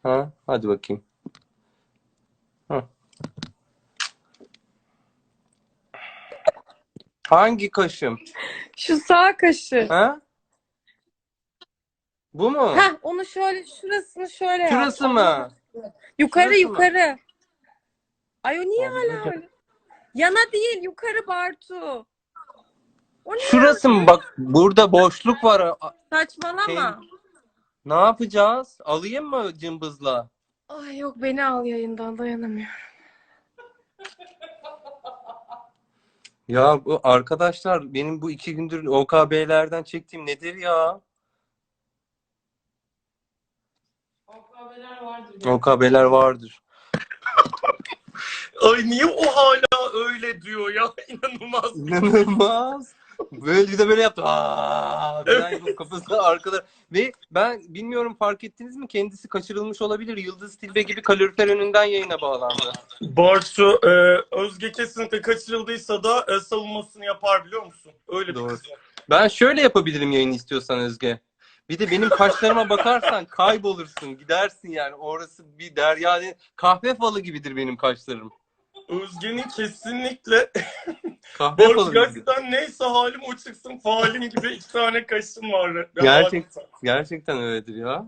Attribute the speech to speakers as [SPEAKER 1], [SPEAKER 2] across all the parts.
[SPEAKER 1] Ha, hadi bakayım. Ha. Hangi kaşım?
[SPEAKER 2] Şu sağ kaşı.
[SPEAKER 1] Ha? Bu mu?
[SPEAKER 2] Heh, onu şöyle, şurasını şöyle yap.
[SPEAKER 1] Şurası mı?
[SPEAKER 2] Yukarı
[SPEAKER 1] Şurası mı?
[SPEAKER 2] yukarı. Ay o niye
[SPEAKER 1] Allah
[SPEAKER 2] hala
[SPEAKER 1] hocam.
[SPEAKER 2] öyle? Yana değil, yukarı Bartu. O niye
[SPEAKER 1] Şurası mı?
[SPEAKER 2] öyle?
[SPEAKER 1] Bak burada boşluk var. Şey,
[SPEAKER 2] Saçmalama.
[SPEAKER 1] ne yapacağız? Alayım mı cımbızla?
[SPEAKER 2] Ay yok, beni al yayından, dayanamıyorum.
[SPEAKER 1] Ya bu arkadaşlar benim bu 2 gündür OKB'lerden çektiğim nedir ya?
[SPEAKER 2] OKB'ler vardır.
[SPEAKER 1] OKB'ler vardır.
[SPEAKER 3] Ay niye o hala öyle diyor ya? İnanılmaz bir şey.
[SPEAKER 1] İnanılmaz. Böyle bir de böyle yaptı. Aa, falan
[SPEAKER 3] Evet.
[SPEAKER 1] yapıp kafasına arkada. Ve ben bilmiyorum fark ettiniz mi? Kendisi kaçırılmış olabilir. Yıldız Tilbe gibi kalorifer önünden yayına bağlandı.
[SPEAKER 3] Bartu Özge kesinlikle kaçırıldıysa da savunmasını yapar biliyor musun? Öyle bir
[SPEAKER 1] Doğru.
[SPEAKER 3] kız.
[SPEAKER 1] Ben şöyle yapabilirim yayını istiyorsan Özge. Bir de benim kaşlarıma bakarsan kaybolursun. Gidersin yani. Orası bir derya. Kahve falı gibidir benim kaşlarım.
[SPEAKER 3] Özge'nin kesinlikle
[SPEAKER 1] Kahve
[SPEAKER 3] Bartu
[SPEAKER 1] falı gibidir.
[SPEAKER 3] gerçekten neyse halim o çıksın falim gibi 2 tane kaşım var.
[SPEAKER 1] Gerçekten öyledir ya.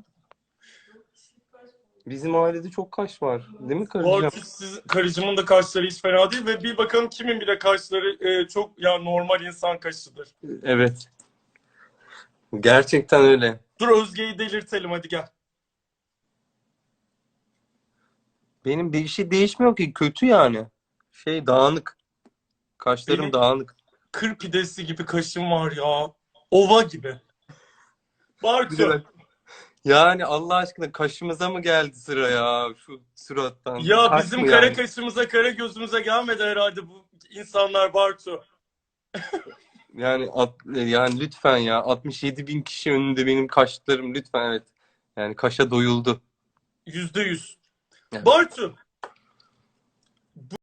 [SPEAKER 1] Bizim ailede çok kaş var. Değil mi karıcığım?
[SPEAKER 3] Bartu karıcımın da kaşları hiç fena değil ve bir bakalım kimin bile kaşları çok ya normal insan kaşıdır.
[SPEAKER 1] Evet. Gerçekten öyle.
[SPEAKER 3] Dur Özge'yi delirtelim hadi gel.
[SPEAKER 1] Benim bir şey değişmiyor ki. Kötü yani. Dağınık. Kaşlarım
[SPEAKER 3] Benim
[SPEAKER 1] dağınık.
[SPEAKER 3] kır pidesi gibi kaşım var ya. Ova gibi.
[SPEAKER 1] Bir de
[SPEAKER 3] Bartu.
[SPEAKER 1] ben... Yani Allah aşkına kaşımıza mı geldi sıra ya? Şu surattan.
[SPEAKER 3] Ya
[SPEAKER 1] Kaş
[SPEAKER 3] bizim
[SPEAKER 1] mı
[SPEAKER 3] kara
[SPEAKER 1] yani?
[SPEAKER 3] kaşımıza kara gözümüze gelmedi herhalde bu insanlar Bartu.
[SPEAKER 1] Yani lütfen ya. 67 bin kişi önünde benim kaşlarım lütfen evet. Yani kaşa doyuldu.
[SPEAKER 3] %100.
[SPEAKER 1] Evet.
[SPEAKER 3] Bartu.